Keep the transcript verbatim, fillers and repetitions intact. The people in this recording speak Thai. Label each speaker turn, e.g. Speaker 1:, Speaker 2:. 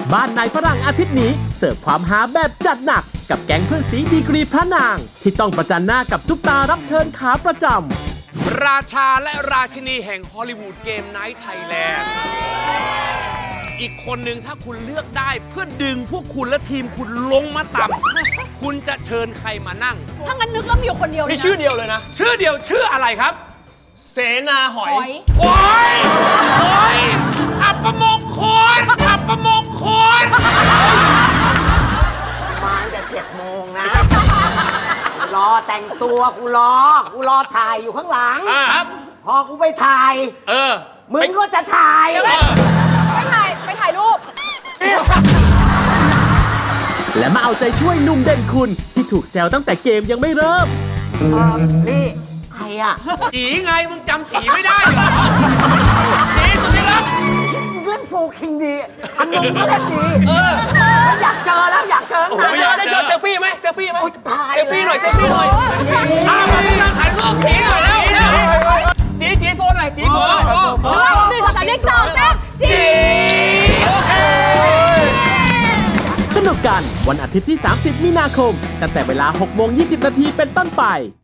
Speaker 1: บ้านนายฝรั่งอาทิตย์นี้เสิร์ฟความฮาแบบจัดหนักกับแก๊งเพื่อนสีดีกรีพระนาง ที่ต้องประจันหน้ากับซุปตารับเชิญขาประจำ
Speaker 2: ราชาและราชินีแห่งฮอลลีวูดเกมไนท์ไทยแลนด์อีกคนหนึ่งถ้าคุณเลือกได้เพื่อดึงพวกคุณและทีมคุณลงมาต่ำคุณจะเชิญใครมานั่ง
Speaker 3: ถ้างั้นนึกแล้วมีอยู่คนเดียว
Speaker 4: มีชื่อเดียวเลยนะ
Speaker 2: ชื่อเดียวชื่ออะไรครับ
Speaker 4: เสนาหอย
Speaker 3: หอย
Speaker 2: โอ้ยโอ้ยอัปมงคลอัปมงคล
Speaker 5: มาตั้งแต่เจ็ดโมงนะ รอแต่งตัวกูรอ กูรอถ่ายอยู่ข้างหลัง
Speaker 2: ครับ
Speaker 5: พอกูไปถ่าย
Speaker 2: เออ
Speaker 5: มึงก็จะถ่าย
Speaker 3: ไปถ่ายไปถ่ายรูป
Speaker 1: และมาเอาใจช่วยหนุ่มเด่นคุณที่ถูกแซวตั้งแต่เกมยังไม่เริ่ม
Speaker 5: นี่ใครอ่ะ
Speaker 2: จีไงมึงจำจีไม่ได้เหรอจีสุดที่รัก
Speaker 5: มึงเล่นโฟร์คิงดีอันนึงก็เล่นดีอยากเจอแล้วอยากเจอ
Speaker 4: โอ้โหได้เจอได้เจอเซลฟี่ไหมเซลฟี่ไหม
Speaker 5: ถ่าย
Speaker 4: เซลฟี่หน่อยเซลฟี่หน่อย
Speaker 2: อ้าวมาถ่ายรูปจีหน่อยแล้ว
Speaker 4: จีจีโฟนหน่อยจีโฟนหน่อย
Speaker 3: หนึ่งสองสามเรียกจองแซ่บจี
Speaker 1: สนุกกันวันอาทิตย์ที่ สามสิบ มีนาคม ตั้งแต่เวลา หกโมงยี่สิบ นาทีเป็นต้นไป